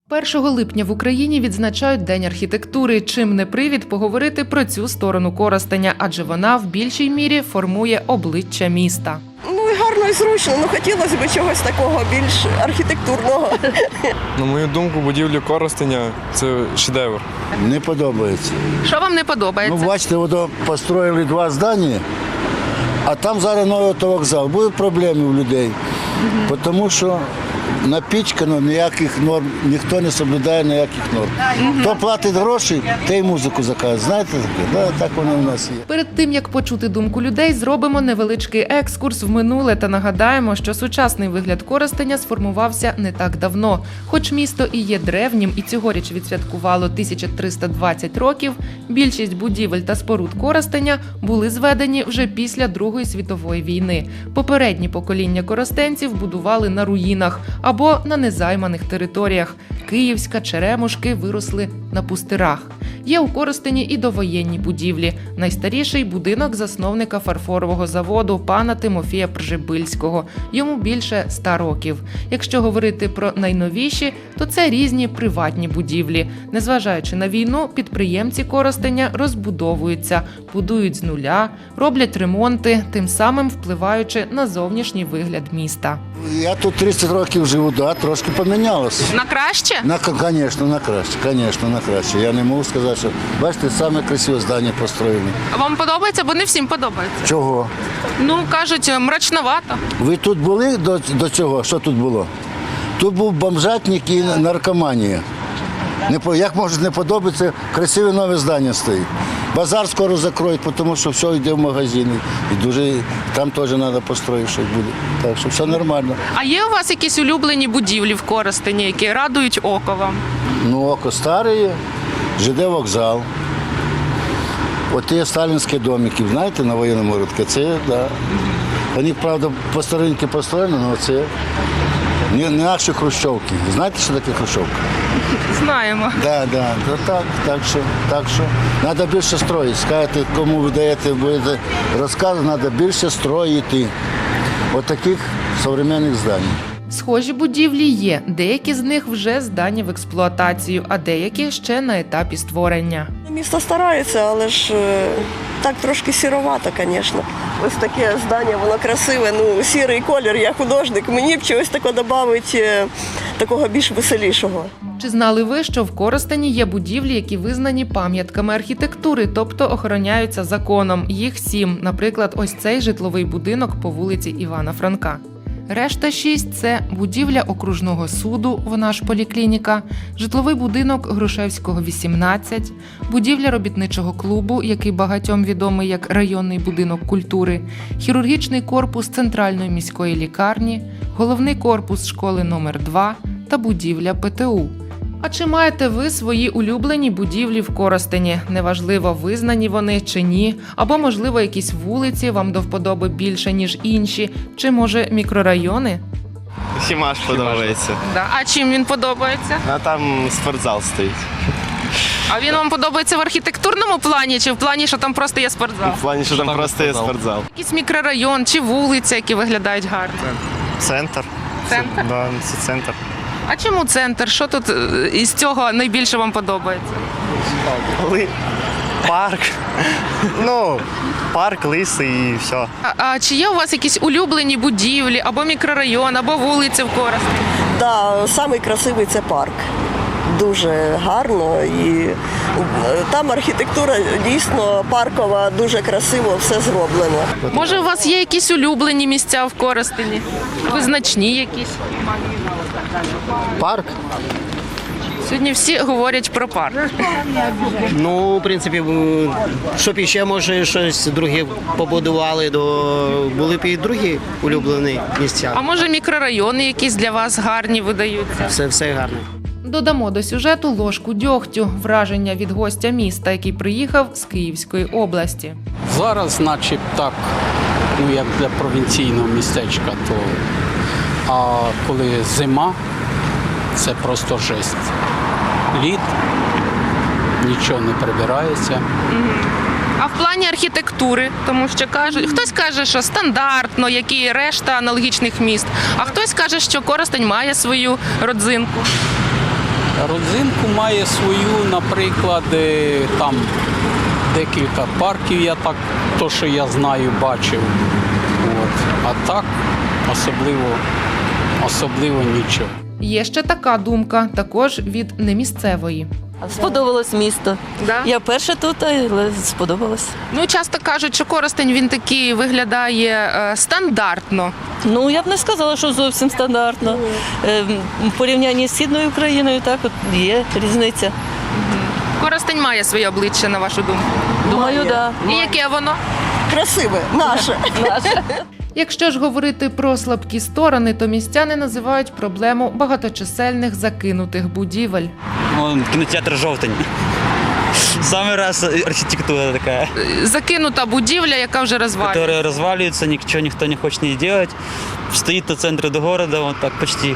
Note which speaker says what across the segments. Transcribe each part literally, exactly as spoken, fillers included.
Speaker 1: першого липня в Україні відзначають День архітектури, чим не привід поговорити про цю сторону Коростеня, адже вона в більшій мірі формує обличчя міста.
Speaker 2: Ну і гарно, і зручно, ну хотілося б чогось такого більш архітектурного.
Speaker 3: На мою думку, будівлі Коростеня – це шедевр.
Speaker 4: Не подобається.
Speaker 1: Що вам не подобається?
Speaker 4: Ну, бачите, воно построїли два здання, а там зараз новий автовокзал. Будуть проблеми у людей, угу. тому що напічкано, ніяких норм, ніхто не соблюдає ніяких норм. Угу. Хто платить гроші, той і музику заказує. Знаєте таке? Да, так воно у нас є.
Speaker 1: Перед тим, як почути думку людей, зробимо невеличкий екскурс в минуле та нагадаємо, що сучасний вигляд Коростеня сформувався не так давно. Хоч місто і є древнім і цьогоріч відсвяткувало тисяча триста двадцять років, більшість будівель та споруд Коростеня були зведені вже після Другої світової війни. Попередні покоління коростенців будували на руїнах або на незайманих територіях. Київська, Черемушки виросли на пустирах. Є у Коростені і довоєнні будівлі. Найстаріший – будинок засновника фарфорового заводу пана Тимофія Пржибильського. Йому більше ста років. Якщо говорити про найновіші, то це різні приватні будівлі. Незважаючи на війну, підприємці Коростеня розбудовуються, будують з нуля, роблять ремонти, тим самим впливаючи на зовнішній вигляд міста.
Speaker 4: Я тут тридцять років живу, да, трошки помінялося.
Speaker 1: На краще?
Speaker 4: На, звісно, на краще, звісно, на краще. Я не можу сказати, що, бачите, саме красиве здання построєне.
Speaker 1: А вам подобається? Бо не всім подобається.
Speaker 4: Чого?
Speaker 1: Ну, кажуть, мрачновато.
Speaker 4: Ви тут були до, до цього? Що тут було? Тут був бомжатник і наркоманія. Не, як може не подобається, красиве нове здання стоїть. Базар скоро закроють, тому що все йде в магазини. І дуже, там теж треба построїти щось буде. Так що все нормально.
Speaker 1: А є у вас якісь улюблені будівлі в Коростені, які радують око вам?
Speaker 4: Ну, око старе, ЖД вокзал. От є сталінські домики, знаєте, на воєнному ринку. Це, да. Вони, правда, по старинки построєні, але це не наші хрущовки. Знаєте, що таке хрущовка?
Speaker 1: Знаємо.
Speaker 4: Да, да, да, так, так що, так що. Треба більше строїти. Скажете, кому ви даєте, будете розкази, треба більше строїти. От таких сучасних здань.
Speaker 1: Схожі будівлі є. Деякі з них вже здані в експлуатацію, а деякі ще на етапі створення.
Speaker 2: Місто старається, але ж так трошки сіровато, звісно. Ось таке здання, воно красиве, ну, сірий колір, я художник, мені б чогось такого додати, такого більш веселішого.
Speaker 1: Чи знали ви, що в Коростені є будівлі, які визнані пам'ятками архітектури, тобто охороняються законом? Їх сім, наприклад, ось цей житловий будинок по вулиці Івана Франка. Решта шість – це будівля окружного суду, вона ж поліклініка, житловий будинок Грушевського, вісімнадцять, будівля робітничого клубу, який багатьом відомий як районний будинок культури, хірургічний корпус Центральної міської лікарні, головний корпус школи номер два та будівля ПТУ. А чи маєте ви свої улюблені будівлі в Коростені? Неважливо, визнані вони чи ні, або, можливо, якісь вулиці вам до вподоби більше, ніж інші, чи, може, мікрорайони?
Speaker 5: Хімаш подобається.
Speaker 1: Да. А чим він подобається?
Speaker 5: А там спортзал стоїть.
Speaker 1: А він вам подобається в архітектурному плані, чи в плані, що там просто є спортзал?
Speaker 5: В плані, що там просто є спортзал.
Speaker 1: Якийсь мікрорайон чи вулиця, які виглядають гарно?
Speaker 5: Центр.
Speaker 1: Центр?
Speaker 5: Да, це центр.
Speaker 1: А чому центр? Що тут із цього найбільше вам подобається?
Speaker 5: Парк. Ну, парк, лиси і все.
Speaker 1: А, а чи є у вас якісь улюблені будівлі, або мікрорайон, або вулиці в Коростені?
Speaker 2: Да, самий красивий це парк. Дуже гарно і там архітектура дійсно паркова, дуже красиво все зроблено.
Speaker 1: Може, у вас є якісь улюблені місця в Коростені? Визначні якісь?
Speaker 6: Парк?
Speaker 1: Сьогодні всі говорять про парк.
Speaker 6: Ну, в принципі, щоб іще, може, щось друге побудували, то були б і другі улюблені місця.
Speaker 1: А може, мікрорайони якісь для вас гарні видаються?
Speaker 6: Все, все гарно.
Speaker 1: Додамо до сюжету ложку дьогтю, враження від гостя міста, який приїхав з Київської області.
Speaker 7: Зараз, наче так, ну як для провінційного містечка, то а коли зима, це просто жесть. Лід, нічого не прибирається.
Speaker 1: А в плані архітектури, тому що кажуть, хтось каже, що стандартно, як і решта аналогічних міст, а хтось каже, що Коростень має свою родзинку.
Speaker 7: Родзинку має свою, наприклад, е, там декілька парків, я так, то, що я знаю, бачив. От. А так особливо, особливо нічого.
Speaker 1: Є ще така думка, також від немісцевої.
Speaker 8: Сподобалось місто.
Speaker 1: Да?
Speaker 8: Я перша тут, але сподобалось.
Speaker 1: Ну, часто кажуть, що Коростень він такий виглядає е, стандартно.
Speaker 8: Ну, я б не сказала, що зовсім стандартно. Е, В порівнянні з Східною Україною так от є різниця.
Speaker 1: Коростень має своє обличчя, на вашу думку.
Speaker 8: Думаю, так.
Speaker 1: І яке воно?
Speaker 2: Красиве, наше.
Speaker 1: Якщо ж говорити про слабкі сторони, то містяни називають проблему багаточисельних закинутих будівель.
Speaker 9: Он, кинотеатр «Жовтень». Самый раз архитектура такая,
Speaker 1: Закинута будівля, яка вже розвалюється.
Speaker 9: которая разваливается, ничего никто не хочет не делать. Стоит на центре до города, вот так почти.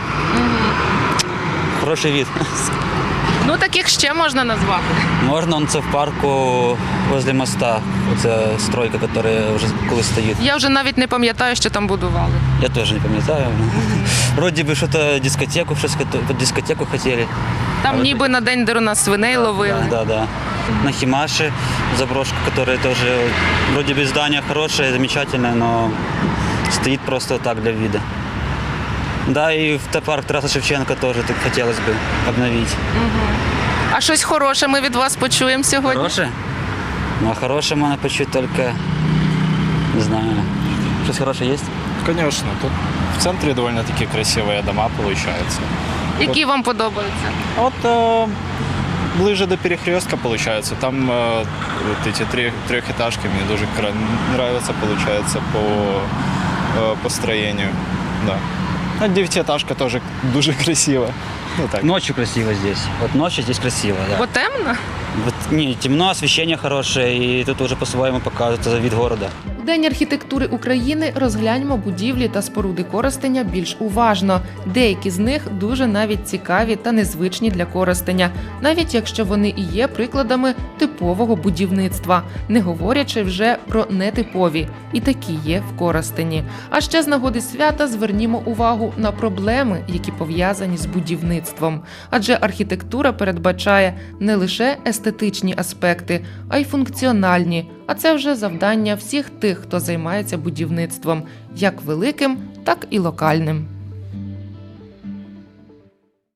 Speaker 9: Хороший вид.
Speaker 1: Ну, таких ще можна назвати.
Speaker 9: Можно он це в парку возле моста. Це стройка, которая вже колись стоїть.
Speaker 1: Я вже навіть не пам'ятаю, що там будували.
Speaker 9: Я теж не пам'ятаю. Вроде бы что-то дискотеку, щось під дискотеку хотели.
Speaker 1: Там ніби на день Деруна свиней ловили.
Speaker 9: Да, да. На Химаше заброшка, которая тоже вроде бы здание хорошее, замечательное, но стоит просто так для вида. Да, и в парк Тараса Шевченко тоже так хотелось бы обновить.
Speaker 1: А щось хороше ми від вас почуємо сьогодні?
Speaker 9: Хорошее? Ну, а хорошее можно почуть только, не знаю, что-то хорошее есть?
Speaker 5: Конечно, тут в центре довольно-таки красивые дома получаются.
Speaker 1: Які вам подобаються?
Speaker 5: А вот э, ближе до перекрестка получается. Там э, вот эти три, трехэтажки мне дуже кра- нравятся, получается, по э, построению. Да. А девятиэтажка тоже дуже красиво. Ну, так.
Speaker 9: Ночью красиво здесь. Вот ночью здесь красиво, да.
Speaker 1: Бо темно?
Speaker 9: Вот, не, темно, освещение хорошее, и тут уже по-своему показывается вид города.
Speaker 1: В День архітектури України розгляньмо будівлі та споруди Коростеня більш уважно. Деякі з них дуже навіть цікаві та незвичні для Коростеня, навіть якщо вони і є прикладами типового будівництва, не говорячи вже про нетипові. І такі є в Коростені. А ще з нагоди свята звернімо увагу на проблеми, які пов'язані з будівництвом. Адже архітектура передбачає не лише естетичні аспекти, а й функціональні. А це вже завдання всіх тих, хто займається будівництвом, як великим, так і локальним.